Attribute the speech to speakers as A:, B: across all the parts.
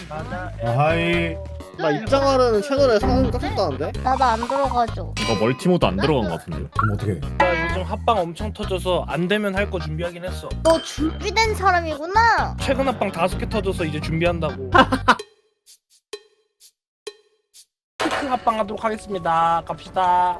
A: 하이.
B: 나 입장하는 채널에 상황 떴었다는데?
C: 나도 안 들어가죠.
D: 이거 멀티모드 안 들어간 것 같은데.
A: 그럼 어떻게?
E: 나 요즘 합방 엄청 터져서 안 되면 할 거 준비하긴 했어.
C: 너 준비된 사람이구나.
E: 최근 합방 5개 터져서 이제 준비한다고. 피크 합방 하도록 하겠습니다. 갑시다.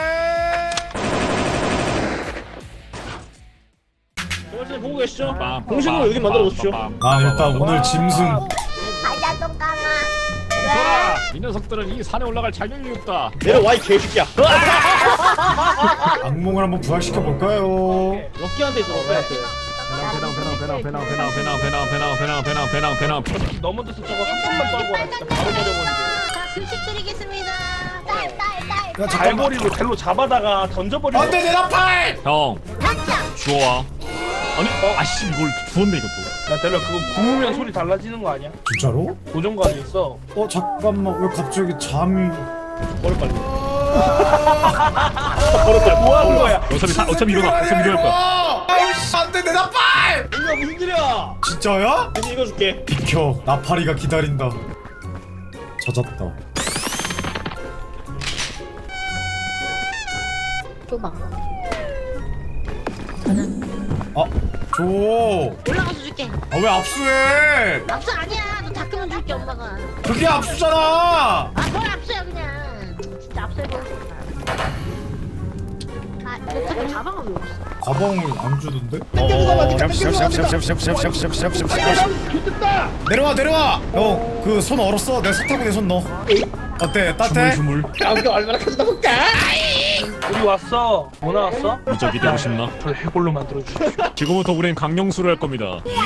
B: 여러분 보고 계시죠?
D: 빰,
B: 공식으로
D: 빰,
B: 여기 만들어
D: 빰,
B: 놓으십시오.
D: 빰, 빰,
A: 아 일단
D: 빰,
A: 오늘
D: 빰.
A: 짐승.
C: 가자 똥강아.
D: 소라, 이 녀석들은 이 산에 올라갈 자격이 없다.
B: 내려와 이 개새끼야.
A: 악몽을 한번 부활시켜 볼까요?
B: 럭키한테 있어 럭키한테.
D: 배낭.
E: 넘어져서 저거 한 번만 떨고 나 진짜 바로 버려버리게.
C: 자 급식 드리겠습니다. 딸.
A: 야 잠깐만.
E: 발버리로 벨로 잡아다가 던져버리고.
A: 안돼 내 나팔!
D: 형,
C: 깜짝.
D: 주워와. 아니, 아씨 이걸 주웠네 이것도.
E: 야 벨로 그거 구우면 소리 달라지는 거 아니야?
A: 진짜로?
E: 고정관이 있어.
A: 잠깐만 왜 갑자기 잠이?
B: 버려 빨리.
E: 뭐 하는 거야?
D: 어차피 일어날 거야.
A: 아이씨 안돼 내 나팔!
B: 이거 무슨 일이야?
A: 진짜야?
B: 이제 이거 줄게.
A: 비켜 나팔이가 기다린다. 젖었다.
C: 줘봐.
A: 줘.
C: 올라가서 줄게.
A: 왜 압수해?
C: 압수 아니야. 너 닦으면 줄게 엄마가.
A: 그게 압수잖아.
C: 뭘 압수야 그냥. 진짜 압수해보고 싶다. 너 자꾸 가방을 왜 없어?
A: 가방을 안 주던데? 내려와. 형 그 손 얼었어. 내 손타고 손 넣어. 어때? 따뜻해?
D: 주물.
B: 아무도 얼마나 커진다 볼까?
E: 우리 왔어. 뭐 나왔어?
D: 무적이 되고 싶나?
E: 저 해골로 만들어주십시오.
D: 지금부터 우린 강령수를 할 겁니다.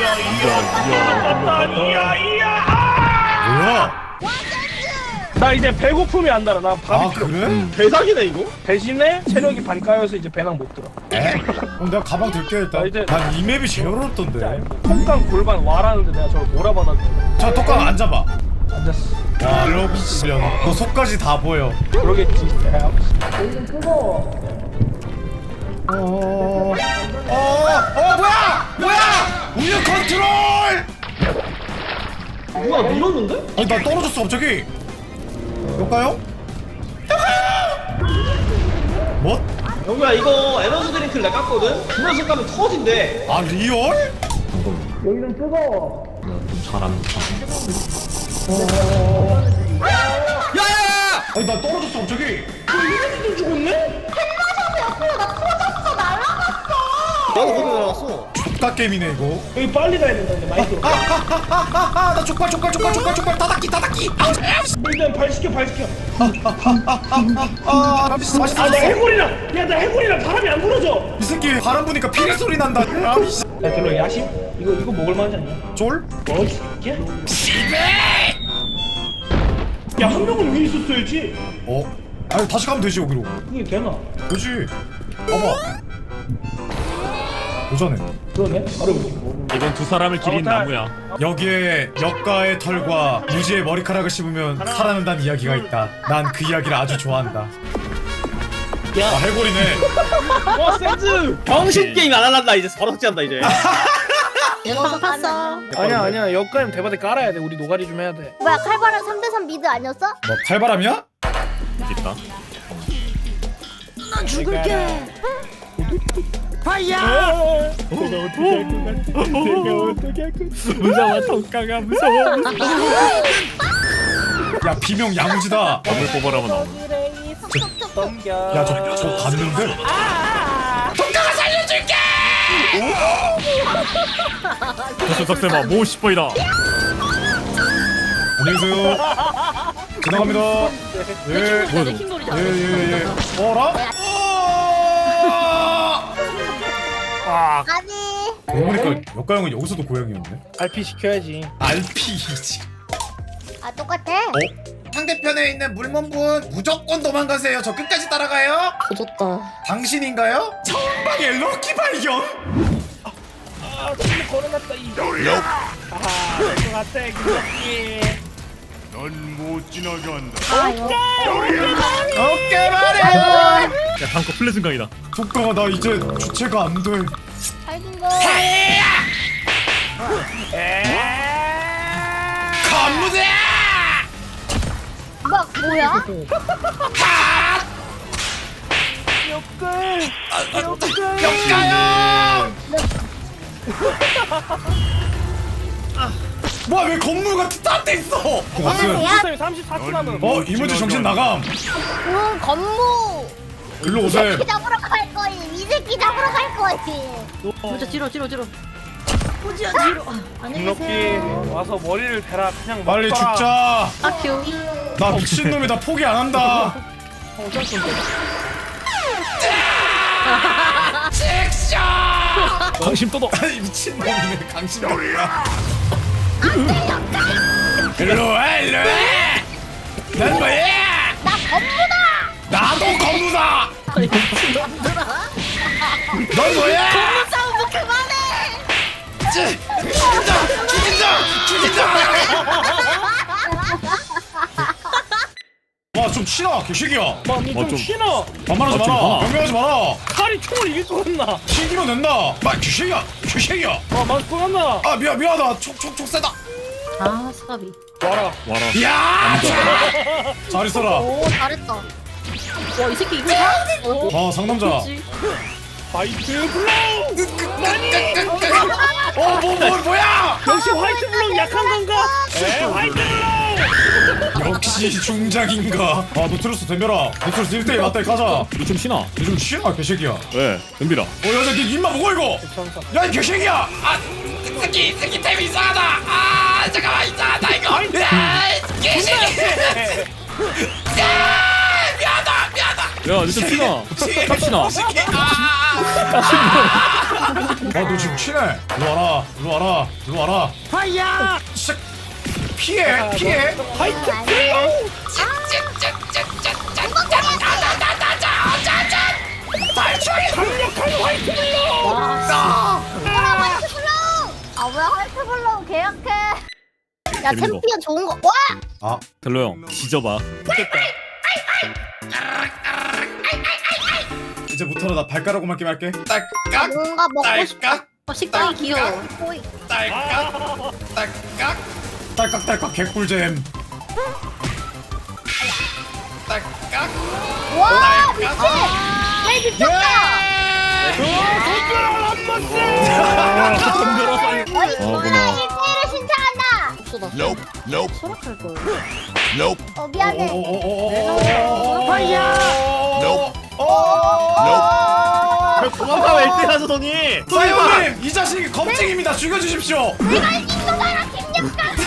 A: 뭐야?
E: 나 이제 배고픔이 안 달아. 나 밥이
A: 아
E: 필요.
A: 그래?
B: 대박이네 이거.
E: 대신에 체력이 반 까여서 이제 배낭 못 들어.
A: 에? 그럼 내가 가방 들게 일단.
E: 이제-
A: 난 이 맵이 제일
E: 진짜
A: 어렵던데.
E: 알고. 콩강 골반 와라는데 내가 저걸 몰아받아줘.
A: 자 똑강 앉아봐.
E: 앉았어.
A: 와 럭시련. 너 속까지 다 보여.
E: 그러겠지. 야,
A: 뭐야? 우유 컨트롤!
B: 누가 밀었는데?
A: 아니 나 떨어졌어 갑자기. 볼까요? 뭐?
B: 영구야 이거 에너지 드링크를 내가 깠거든? 주면서 까면 터진대.
A: 아 리얼?
E: 여기는 뜨거워.
D: 좀 잘하는 척.
B: 야야야!
A: 아니 나 떨어졌어 갑자기.
B: 나도 거기 나왔어.
A: 족가 게임이네 이거.
E: 여기 빨리 가야 된다. 이제 많이 들어.
A: 나 족발 따닥기.
E: 일단 발 시켜.
A: 맛있어.
E: 아, 나 해골이랑. 야, 나 해골이랑 바람이 안 불어져.
A: 이 새끼 바람 부니까 피리 소리 난다. 아, 씨.
E: 야, 별로 야심? 이거 먹을 만하지 않냐?
A: 쫄?
E: 뭐 이 새끼야? 야, 한 명은 위에 있었어야지.
A: 아니 다시 가면 되지 여기로.
E: 그게 되나?
A: 그렇지. 봐봐. 도전해.
E: 그러네. 바로 여기.
D: 이건 두 사람을 기린 나무야.
A: 여기에 역가의 털과 무지의 머리카락을 씹으면 살아난다는 이야기가 있다. 난 그 이야기를 아주 좋아한다.
B: 야.
A: 아 해골이네.
B: 와 센즈. 병신 게임 안 할란다 이제 바로 삭제한다 이제.
C: 내가 샀어.
E: 아니야. 역가임 대바대 깔아야 돼. 우리 노가리 좀 해야 돼.
C: 뭐야 칼바람 3대3 미드 아니었어?
A: 뭐 칼바람이야?
D: 있다.
C: 난 죽을게.
D: 무서워, ton가가 무서워.
A: 야 비명 야무지다.
D: 검을 뽑아라면 나오네.
C: 여기를 턱턱턱.
E: 넘겨.
A: 야 저 갔는데?
D: 저수 덕세마 모 10번이다.
A: 안녕히 계세요. 지나갑니다. 예.
D: 뭐야 너?
A: 예. 어라?
C: 아니.
A: 그러고 보니까 역가 형은 여기서도 고양이였네.
E: RP 시켜야지.
A: RP이지.
C: 아 똑같아.
A: 상대편에 있는 물몸분 무조건 도망가세요. 저 끝까지 따라가요.
C: 조졌다.
A: 당신인가요? 처음방에 럭키 발견.
E: 아, 친구 걸어놨다 이. 아하, 될것 같아 이 새끼.
D: 넌못 지나게 한다.
C: 아 이거.
A: 어깨 말해.
D: 야 다음 거 플래즌강이다.
A: 독가가 나 이제 주체가 안 돼.
C: 잘긴 거.
A: 갑니다. 무대.
C: 뭐야?
E: 역글.
A: 역가요. 뭐야 왜 건물 같은 딴데 있어?
E: 선생님 34초 남은.
A: 이문주 정신 나감.
C: 건무.
A: 일로
C: 이
A: 오세요.
C: 새끼 잡으러 갈 거임. 이 새끼 잡으러 갈 거임.
F: 진짜 뒤로 포지야 뒤로. 안녕히
E: 김럭기
F: 계세요.
E: 와서 머리를 대라 그냥
A: 빨리
E: 먹더라.
A: 죽자.
F: 아큐.
A: 나 미친놈이 나 포기 안 한다.
D: 강심 떠도.
A: 아니 미친놈이네 강심이야. 일로 와 일로 와. 난 뭐야?
C: 나 건무다.
A: 나도 건우다. 넌 뭐야?
C: 싸움 그만해.
A: 죽인다. 와 좀 치나 개새끼야.
E: 좀 쉬너.
A: 반말하지
D: 좀
A: 마라.
D: 봐.
A: 변명하지 마라.
E: 칼이 총을 이길 것 같나?
A: 튀기면 된다. 막 개새끼야.
E: 맞을 것 같나?
A: 아 미안하다. 촉 세다.
F: 아 스카비.
E: 와라.
A: 야. 잘 있어라.
C: 오 잘했다.
F: 와 이 새끼 이거 다?
A: 아 상남자.
F: 그렇지.
E: 화이트 블록.
A: 뭐야?
E: 역시 화이트 블록 약한 건가? 에 화이트 블록.
A: 역시 중작인가. 아 노트루스 덤벼라. 노트루스 1대1 맞다이 가자.
D: 좀 쉬나?
A: 요즘 쉬나 개새끼야.
D: 왜? 덤비라.
A: 여자 니 입만 먹어 이거. 야 이 개새끼야. 아 새끼 타임 이상하다. 아 잠깐만 이상하다 이거. 야 개새끼. 미안하다.
D: 야, 니 좀 쉬나? 갑시나.
A: 아너 지금 치네. 일로 와라.
E: 파이야.
A: 피해.
E: 화이트 블록. 강력한 화이트 블록.
C: 뭐야 화이트 블록. 아 뭐야 화이트 블록 계약해. 야
D: 재밌는 거.
C: 챔피언 좋은 거. 와.
A: 아
D: 델로 형, 뒤져봐.
A: 이제부터는 나 발가락으로 맞게 할게. 딸깍.
C: 뭔가 먹고 싶다.
A: 딸깍.
F: 식당이 귀여워.
C: 호이.
A: 딸깍 개꿀잼. 딸깍.
C: 와 미친. 내 미쳤다. 어이
D: 뭐나.
C: 누나 1대1을 신청한다.
F: 없어다. 수락할 걸.
C: 미안해.
B: 도망가면 1등 하시더니.
A: 사이버님 이 자식이 겁쟁입니다. 죽여주십시오.
C: 내가 이긴거다 김력강.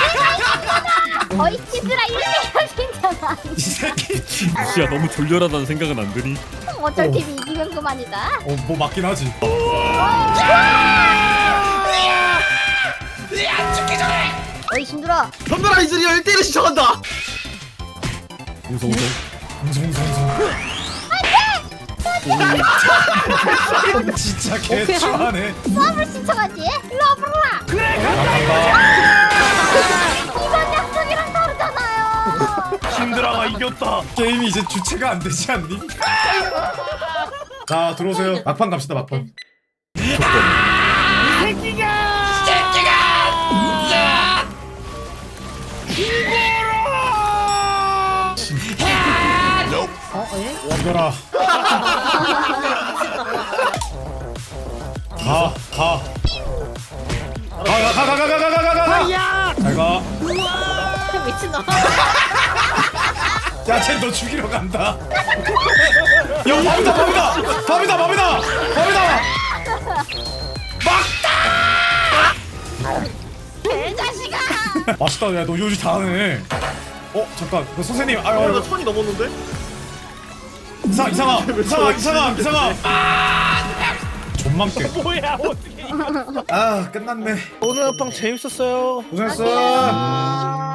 C: 거의 치즈라 1대1을 신청한.
A: 이 새끼.
D: 진짜 너무 졸렬하다는 생각은 안 드니?
C: 어쩔 팀이 이기면 그만이다.
A: 뭐 맞긴 하지.
C: 어이 신들아.
B: 덤벼라 이즈리얼 1대1을 시청한다.
D: 웅성웅성.
A: 진짜 개추하네.
C: 수업을 신청하지? 일로 와보라. 이번 약속이랑 다르잖아요.
E: 신드라가 이겼다.
A: 게임이 이제 주체가 안 되지 않니? 자 들어오세요. 막판 갑시다 막판. 이거라. 가. 잘 가.
F: 미친놈.
A: 야, 쟤 너 죽이러 간다. 야, 밥이다.
C: 개자식아.
A: 맛있다. 야, 너 요리 잘하네. 잠깐. 그 선생님. 아유.
B: 천이 넘었는데?
A: 이상아. 존망게.
E: 뭐야 어떻게?
A: 아, 끝났네.
E: 오늘 합방 재밌었어요.
A: 고생했어.